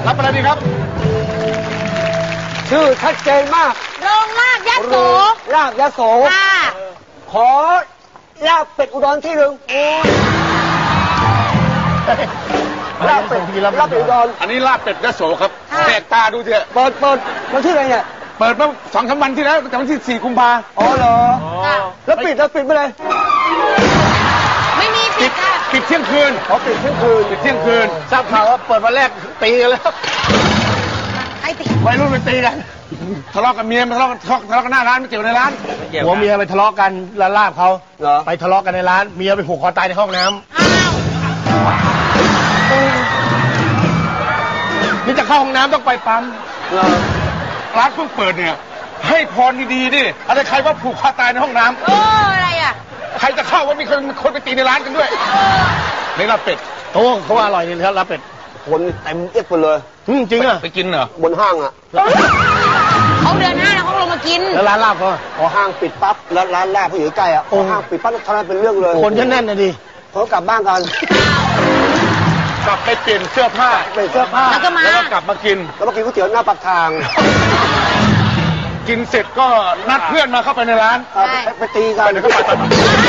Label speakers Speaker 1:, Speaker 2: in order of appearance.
Speaker 1: รับอะไรดีครับ
Speaker 2: ชื่อชัดเจนมาก
Speaker 3: โรงลาบยะโส
Speaker 2: ลาบยะโส
Speaker 3: ค่ะ
Speaker 2: ขอลาบเป็ดอุดรที่หนึ่งลาบเป็ดอุดร
Speaker 1: อันนี้ลาบเป็ดยะโสครับแปลกตาดูเถอะ
Speaker 2: เปิดวันที่ไหนเนี่ย
Speaker 1: เปิดมา2-3 วันที่แล้วแต่วันที่4 กุมภาพันธ์
Speaker 2: อ๋อเหรอแล้วปิดไปเลย
Speaker 3: ไม่มีปิดค่ะ
Speaker 1: ปิดเที่ยงคืน
Speaker 2: ปิดเที่ยงคืน
Speaker 1: ทราบข่าวว่าเปิดวันแรกตีกันแล้ว
Speaker 3: ใครตี
Speaker 1: วัยรุ่นไปตีกันทะเลาะกับเมียทะเลาะกันหน้าร้านไม่เกี่ยวในร้าน
Speaker 4: หัวเมียไปทะเลาะกันร้านลาบเขาไปทะเลาะกันในร้านเมียไปผูกคอตายในห้องน้ำนี่จะเข้าห้องน้ำต้องไปปั๊ม
Speaker 1: ร้านเพิ่งเปิดเนี่ยให้พรดีๆดิอะไรใครว่าผูกคอตายในห้องน้ำ
Speaker 3: อะไรอ่ะ
Speaker 1: ใครจะเข้าว่ามีคนไปตีในร้านกันด้วยในลาบเป็ด
Speaker 4: เขาว่าอร่อยนี่ครับลาบเป็ด
Speaker 2: คนเต็มเอียดไปเลย
Speaker 4: จริงอ่ะ
Speaker 1: ไปกินเหรอบ
Speaker 2: นห้างอ่ะ
Speaker 3: เขาเดือน5แล้วเขาลงมากิน
Speaker 4: แล้วร้านลาบเขา
Speaker 2: พอห้างปิดปั๊บแล้วร้านลาบเขาอยู่ใกล้อ่ะพอห้างปิดปั๊บทำไมเป็นเรื่องเลย
Speaker 4: คนแน่นนะดิ
Speaker 2: เขากลับบ้านกัน
Speaker 1: กลับไปเปลี่ยนเสื้อผ้า
Speaker 3: แล้วก็
Speaker 1: กลับมากิน
Speaker 2: ก๋วยเตี๋ยวหน้าปากทาง
Speaker 1: กินเสร็จก็นัดเพื่อนมาเข้าไปในร้าน
Speaker 2: ไปตีกัน